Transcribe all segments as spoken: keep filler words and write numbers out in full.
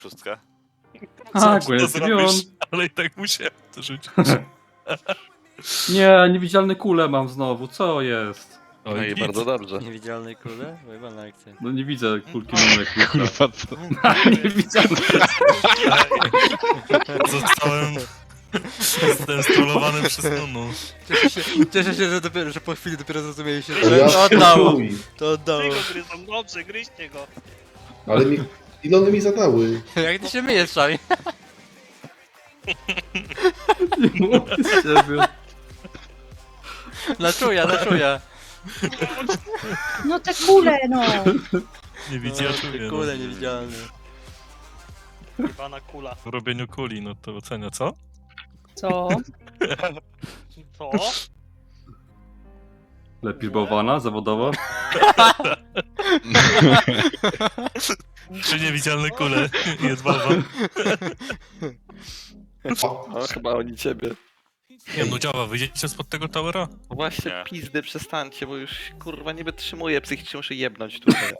Szóstka. A, Co Gwen to Stylion. zrobisz? Ale i tak musiałem to rzucić. Nie, niewidzialne kule mam znowu, co jest? Oj, No i nic. bardzo dobrze. Niewidzialnej kule? Wyjebana akcja. No nie widzę kulki numerek klucza. Kurwa, co? Niewidzialne. Zostałem zdenstrollowany przez Nunu. Cieszę się, cieszę się że, dopiero, że po chwili dopiero zrozumieliście, Ale że ja to oddało. chuj. To oddało. Ty go gryzą, dobrze, gryźcie go. Ale mi... Ile one mi zadały? Jak ty się myjesz, Szami? Nie mogę z ciebie. Na czuja, na czuja. No te kule, no! Nie widzi, ja czuję. Kule niewidzialne. Jebana kula. W robieniu kuli, no to ocenia, co? Co? Co? Lepiej bałwana, zawodowo? Trzy niewidzialne kule. Jest bałwan. No chyba oni ciebie. Nie no, działa, wyjdziecie spod tego towera? No właśnie, Nie. pizdy, przestańcie, bo już kurwa nie wytrzymuję, psychicznie muszę jebnąć tutaj.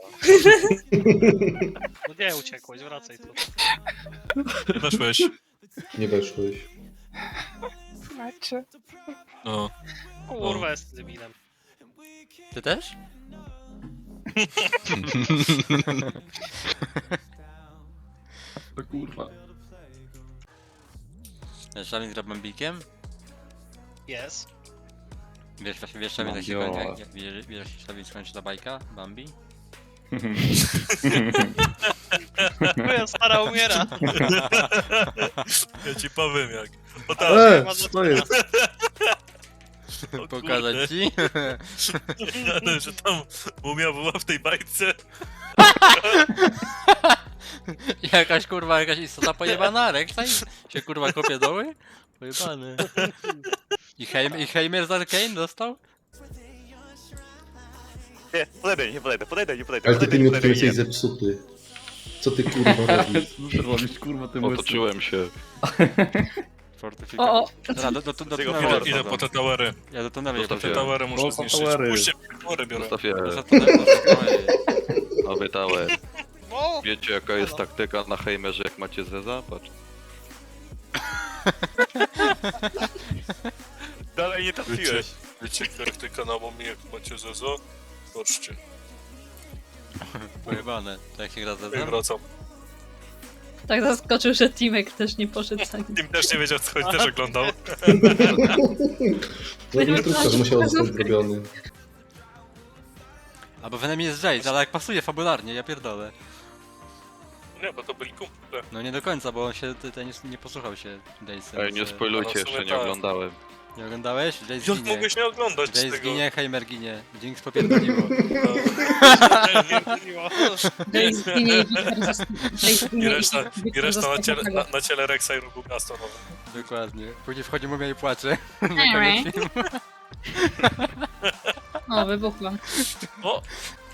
No nie uciekłeś, wracaj tu. Weszłeś. Nie weszłeś. Znaczy. No. Kurwa, jest debilem. Ty też? To kurwa. Szami gra Bambikiem? Jest. Wiesz, właśnie wiesz, Szami, jak się Bambio. kończy, jak, jak, wiesz, wiesz, Szami, skończy ta bajka? Bambi? Moja stara umiera. Ja ci powiem jak. O tak, E, ma co jest? o Pokazać kurde. ci? Ale że tam mumia była w tej bajce. Jakaś kurwa, jakaś istota pojebana, Rek'Sai się kurwa kopie doły? Pojebany. I, Heim, I Heimer z Arcane dostał? Nie, podejdę, nie podejdę, podejdę, nie podejdę. Ale ty podejdę, tym nie jesteś podejdę, zepsuty. Co ty kurwa robisz? Co ty robisz, kurwa, tym łysym? Otoczyłem się. Fortyfikacja. O, o, Dobra, do, do, do, do Tego tunelu Idę, Dobra, idę wchodzą. po te towery. Ja do tunelu Zostaw je Te się. towery O, muszę po zniszczyć. towery. Puśćcie towery biorę. Zostaw je. Za tunelu, za tunelu. Nowy tower. O! Wiecie jaka jest taktyka na Heimerze jak macie Zeza? Patrz. Dalej nie trafiłeś. Wiecie, których tych kanałów mi jak macie zezo? Zobaczcie, Pojebane. To jak się gra ze ja mną? wracam. tak zaskoczył, że Timek też nie poszedł za nim. Tim też nie wiedział co chodzi, też oglądał. No instruktor musiał zostać zrobiony. Albo w enemy jest Jace, ale jak pasuje fabularnie, ja pierdolę. Nie, bo to byli kumple. No nie do końca, bo on się ten nie, nie posłuchał się Jace'a. Ej, nie więc, e, spoilujcie, No, w sumie jeszcze nie tak. oglądałem. Nie oglądałeś? Jace Jak ginie. mogłeś nie oglądać Jace tego? ginie, Heimer ginie. Jinx popierdoliło. Nie, nie, Miło. Jace zginie i Wiktor zosta- Jace I zginie reszta, Wiktor i reszta na zostanie ciele, tego. na, na ciele Rexa i rogu Gastonowe. Dokładnie. Później wchodzi mumia i płacze. Na Alright. koniec filmu. O, wybuchłam. O!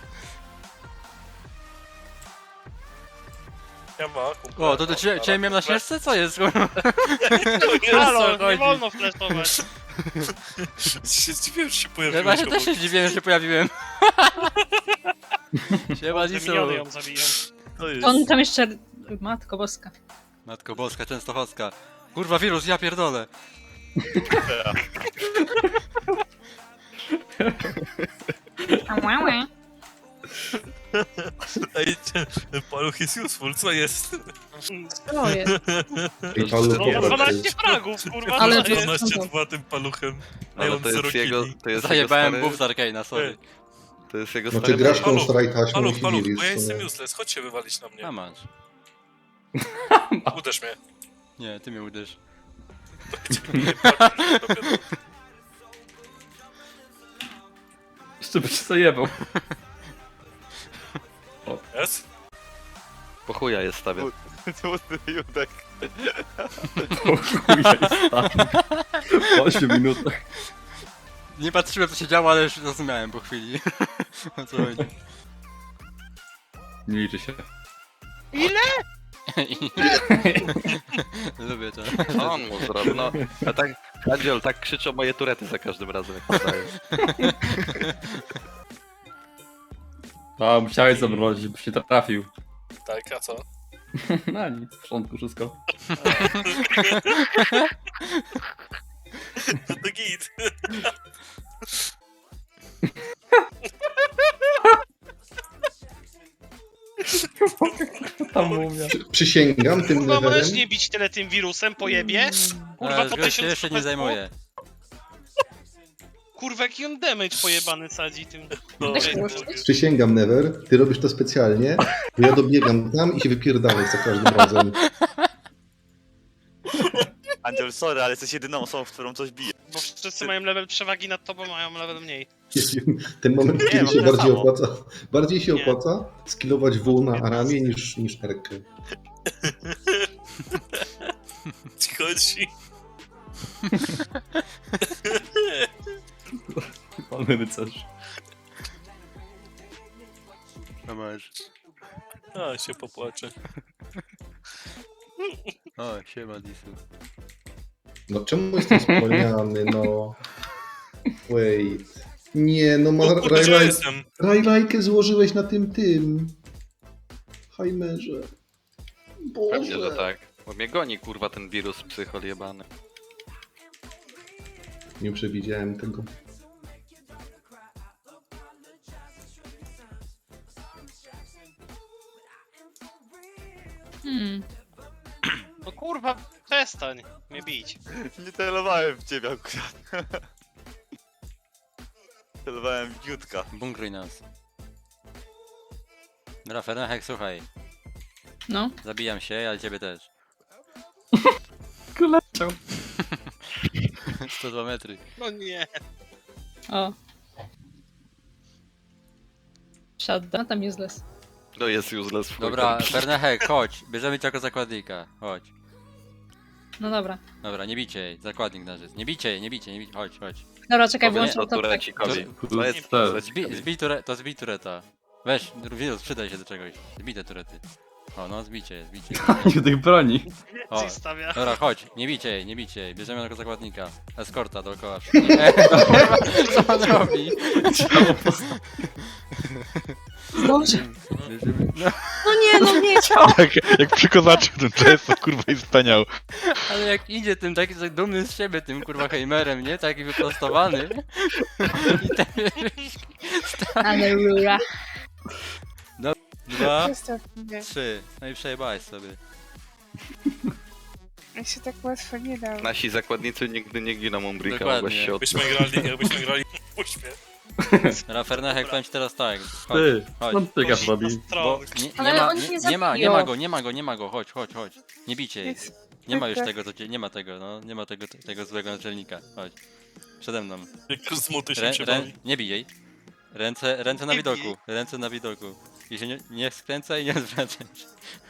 Ja ma, kumple. O, to do ciebie, ciebie miałem na ścieżce? Co jest? Halo, nie chodzi? wolno flashować. Się zdziwiłem, że się Ja pojawiłeś właśnie obok. też się zdziwiłem, że się pojawiłem. Siema, Te Lisu. miniony ją zabiją. To jest. On tam jeszcze... Matko boska. Matko Boska, Częstochowska. Kurwa, wirus, ja pierdolę. Ałałe. Ej, ten paluch jest useful, co jest? To jest. I Paweł No, Kowal dwanaście fragów, kurwa. Ale Ale to- dwanaście dwa tym paluchem. A ja Ale mam to jest zero jego, killi. to jest jego Zajebałem stary, buff z Arcane'a, sorry. to jest jego No ty stary grasz mecz. tą Paluch, strajtaśmą i Paluch, paluch, Filiz, bo ja co jestem nie? useless, chodź się wywalić na mnie. A masz. Uderz mnie. Nie, ty mnie uderz. Jeszcze by się zajebał. Jest? Po chuja jest stawiam. Judek. O chuja jest tam. W ośmiu minutach. Nie patrzyłem co się działo, ale już zrozumiałem po chwili. O co chodzi. Nie liczy się. Lubię to. Co on mu zrobił? No, a tak, Andziel, tak krzyczą moje turety za każdym razem jak podaję. A, musiałeś zamrozić, żebyś nie trafił. Tak, a co? Na nic, w porządku wszystko. No to git. Tam mumia. Przysięgam tym Kurwa, możesz levelem. nie bić tyle tym wirusem, pojebie? Kurwa, E, po gość się tysiąc jeszcze nie zajmuje. Kurwa, jaki on damage pojebany sadzi tym. No, Weź no, włączyć. Przysięgam, Never. Ty robisz to specjalnie, bo ja dobiegam tam i się wypierdalaj za każdym razem. Angel, sorry, ale jesteś jedyną osobą, w którą coś bije. Bo wszyscy mają level przewagi nad tobą, mają level mniej. Jest ten moment, Nie, kiedy mam się tyle bardziej samo. opłaca. Bardziej się Nie. opłaca skillować W na Aramie niż, niż Erkę. ci chodzi. Pan rycerz. No masz. A, się popłaczę. O, siema Disu. No czemu jestem wspomniany, no... Wait... Nie, no ma O kurde, gdzie ja Rajlajkę jestem? Rajlajkę złożyłeś na tym tym... Heimerze. Pewnie, że Boże. tak. Bo mnie goni kurwa ten wirus psychol jebany. Nie przewidziałem tego. Hmm. No kurwa, przestań mnie bić. Nie celowałem w ciebie akurat. Celowałem w Jutka. Bunkruj nas. Dobra, Fernachek, słuchaj. No. Zabijam się, ale ciebie też. Kuleciał. sto dwa metry. No nie. O. Shutdown, tam useless. No jest useless. w chuj Dobra, tam. Fernachek, chodź. Bierzemy cię jako zakładnika. Chodź. No dobra. Dobra, nie bicie jej. Zakładnik nasz jest. Nie bicie jej, nie bicie, nie bicie. Chodź, chodź. Dobra, czekaj, Powiedz włączę to to tak. turecikowi. To jest Też. Zbij, turecikowi. zbij ture, to zbij tureta. Weź, wirus, przydaj się do czegoś. Zbij te turety. O, no, zbicie, zbicie. Nie tych broni. O, Ci stawia. dobra, chodź, nie bicie jej, nie bicie jej. Bierzemy jako zakładnika. Eskorta dookoła. Nie, co on robi? Boże. Bierzemy- No, No nie, no nie. Jak, jak przy kozaczyku ten czas, to kurwa i wspaniał. ale jak idzie tym taki tak dumny z siebie, tym kurwa Heimerem, nie? Taki wyprostowany. I ten Ale rura. dwa, Zostaw mnie. trzy. No i przejebałeś sobie. Ja się tak łatwo nie dał. Nasi zakładnicy nigdy nie giną Umbrika, Dokładnie. mogłeś się od... Jakbyśmy grali, jakbyśmy grali w uśmiech. Dobra, Fernachek, powiem ci teraz tak. Chodź, Ty, chodź. skąd ty gaz robi? Bo nie, nie, Ale ma, oni nie, nie nie ma, nie zabiją. ma go, nie ma go, nie ma go, chodź, chodź, chodź. Nie bicie jej. Jest. Nie ma już tak. tego, co cię, nie ma tego, no, nie ma tego, tego złego naczelnika. Chodź. Przede mną. Jak z muty się Rę, rę, przebawi. nie bij jej. Ręce, ręce na Nie widoku, bij. ręce na widoku. I się nie, nie skręcaj i nie odwracaj się.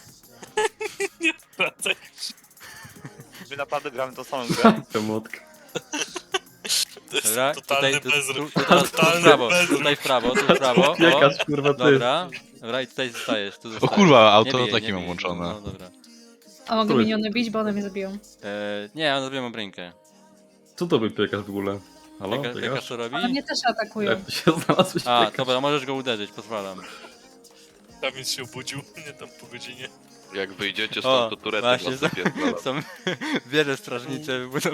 Wracaj. My naprawdę gramy tą samą grę. Emotka. To jest Dobra, totalny tutaj, tu, tu, bezruch. tu, teraz, tu w Totalny prawo, bezruch. tutaj w prawo, tu w prawo, o. Piekasz, kurwa, ty. Dobra, dobra i tutaj zostajesz, tu O zostajesz. kurwa, Nie auto bij jej, taki nie mam bij. włączone. No dobra. A mogę Trój. miniony bić, bo one mnie zabiją. Eee, nie, ja zrobiłem obrękę. Co to był piekasz w ogóle? Halo, Jaka, jaka piekasz? co robi? Ale mnie też atakują. Jak ty się znalazłeś A, piekasz? dobra, możesz go uderzyć, pozwalam. Tam się obudził, nie tam po godzinie. Jak wyjdziecie O, stąd, to turety właśnie, was są, zapierdolą. są wiele strażnicze wybudowane.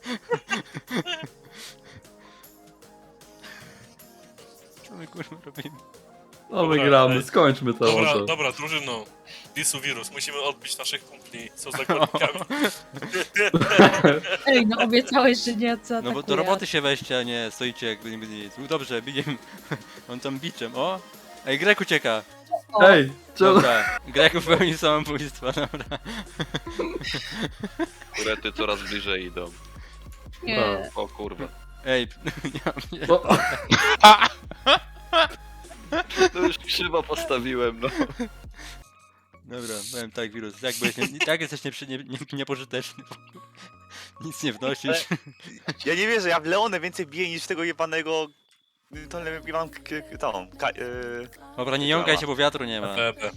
Co my kurwa robimy? No Dobra, wygramy, ej. skończmy to Dobra, może. dobra, drużyno. Disu wirus, musimy odbić naszych kumpli, co zakładnikami. Ej, no obiecałeś, że nie zaatakuję. No bo do roboty się weźcie, a nie stoicie jakby nie byli nic. Dobrze, bijem. On tam biczem, o! Ej, Grek ucieka! O, Ej, czemu? Dobra, Grek popełnił samobójstwo, dobra. Turety coraz bliżej idą. nie. O kurwa. Ej, nie, nie. No, To już krzywo postawiłem, no. Dobra, powiem tak, wirus, jak byłeś, nie, tak jesteś nieprzy, nie, nie, niepożyteczny. Nic nie wnosisz. Ja nie wierzę, ja w Leonę więcej biję niż w tego jebanego... To ja mam k- k- tą... Ka, yy, Dobra, nie jąkaj się, bo wiatru nie ma. Pepe.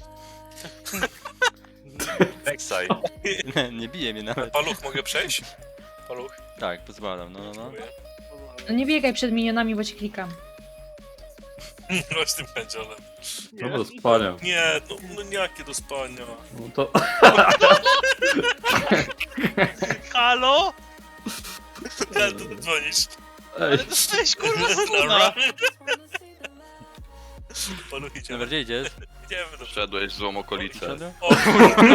Rek'Sai. Nie, nie bije mnie nawet. Paluch, mogę przejść? Paluch. Tak, pozwalam, no, no, no. Dziękuję. No nie biegaj przed minionami, bo ci klikam. Chodź tym pędziolem. No do spania. Nie, no, no jakie do spania. No to... Halo? Ale to dzwonisz. Ej, Ale dostałeś kurwa Dobra. zruna! Polu idziemy. Dobra, gdzie idziesz? Idziemy do Wszedłeś w złą okolicę. Wszedłem? O kurwa.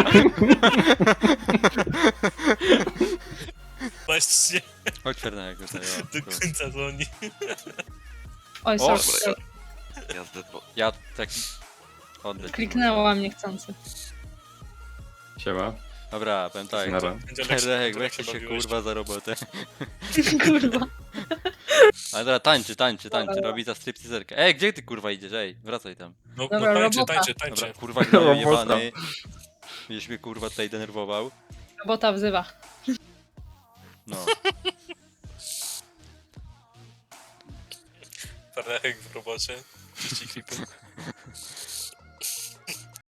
Właśnie Chodź Fernek, tutaj, o, do kurwa. końca dzwoni. Oj, O, sorry. dobra, Ja zdedło. Ja tak... Oddać. Kliknęłam niechcący. siema. Dobra, powiem tak. Nara. Pędziolek Fernek, się weź się bawiłeś. kurwa za robotę. Kurwa. Ale dobra, tańczy, tańczy, tańczy, robi za stripteaserkę. Ej, gdzie ty kurwa idziesz? Ej, wracaj tam. No, Dobra, no tańczy, robota. tańczy, Dobra, tańczy. kurwa gnoju Robota. jebany. Będziesz mnie kurwa tutaj denerwował. Robota wzywa. No. Fernek w robocie. Czyści klipy.